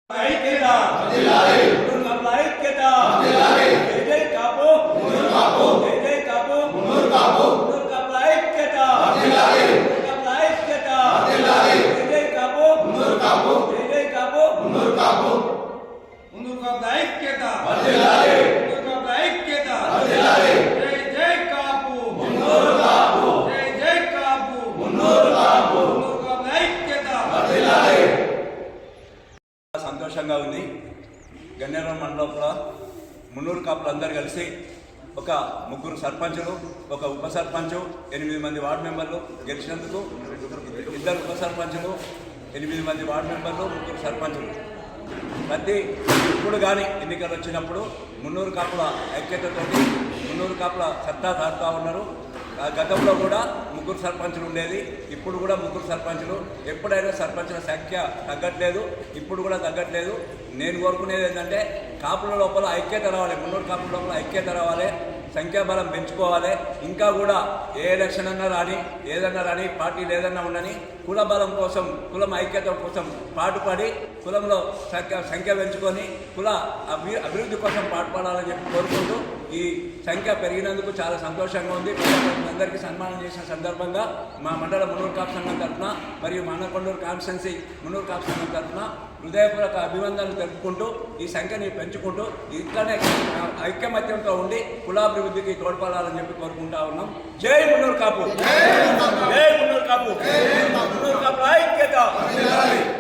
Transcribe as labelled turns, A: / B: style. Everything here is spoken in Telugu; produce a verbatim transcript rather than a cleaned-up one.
A: ఐక్యత ఐక్యత జై జై కాపు జై జై కాపు కాపుల ఐక్యత కాపుల ఐక్యత జై జై కాపు జై జై కాపు ముందు కాపుల ఐక్యత ముందు కాపుల ఐక్యత జై జై కాపు జై జై కాపు కాపుల ఐక్యత. సంతోషంగా ఉంది. గన్నేరం మండలంలో మున్నూరు కాపులు అందరు కలిసి ఒక ముగ్గురు సర్పంచులు, ఒక ఉప సర్పంచు, ఎనిమిది మంది వార్డు మెంబర్లు గెలిచినందుకు, ఇద్దరు ఉప సర్పంచులు, ఎనిమిది మంది వార్డు మెంబర్లు, ముగ్గురు సర్పంచులు. ప్రతి ఇప్పుడు కానీ ఎన్నికలు వచ్చినప్పుడు మున్నూరు కాపుల ఐక్యతతోటి మున్నూరు కాపుల సత్తా దాటుతూ ఉన్నారు. గతంలో కూడా ముగ్గురు సర్పంచులు ఉండేది, ఇప్పుడు కూడా ముగ్గురు సర్పంచులు. ఎప్పుడైనా సర్పంచుల సంఖ్య తగ్గట్లేదు, ఇప్పుడు కూడా తగ్గట్లేదు. నేను కోరుకునేది ఏంటంటే కాపుల లోపల ఐక్యత రావాలి, మున్నూరు కాపుల లోపల ఐక్యత రావాలి, సంఖ్యాబలం పెంచుకోవాలి. ఇంకా కూడా ఏ ఎలక్షన్ అన్నా రాని, ఏదన్నా రాని, పార్టీలు ఏదన్నా ఉండని, కుల బలం కోసం, కులం ఐక్యత కోసం పాటుపడి కులంలో సంఖ్య సంఖ్య పెంచుకొని కుల అభి అభివృద్ధి కోసం పాటుపడాలని చెప్పి కోరుకుంటూ ఈ సంఖ్య పెరిగినందుకు చాలా సంతోషంగా ఉంది. అందరికీ సన్మానం చేసిన సందర్భంగా మా మండల మున్నూరు కాపు సంఘం తరఫున మరియు మానకొండూరు కాన్స్టిట్యున్సీ మున్నూరు కాపు సంఘం తరఫున హృదయపూర్వక అభివందనలు తెలుపుకుంటూ ఈ సంఖ్యని పెంచుకుంటూ ఇట్లనే ఐక్యమత్యంతో ఉండి కులాభివృద్ధికి తోడ్పడాలని చెప్పి కోరుకుంటా ఉన్నాం. జై మున్నూరు కాపు, జై మున్నూరు కాపు, మున్నూరు కాపు ఐక్యత.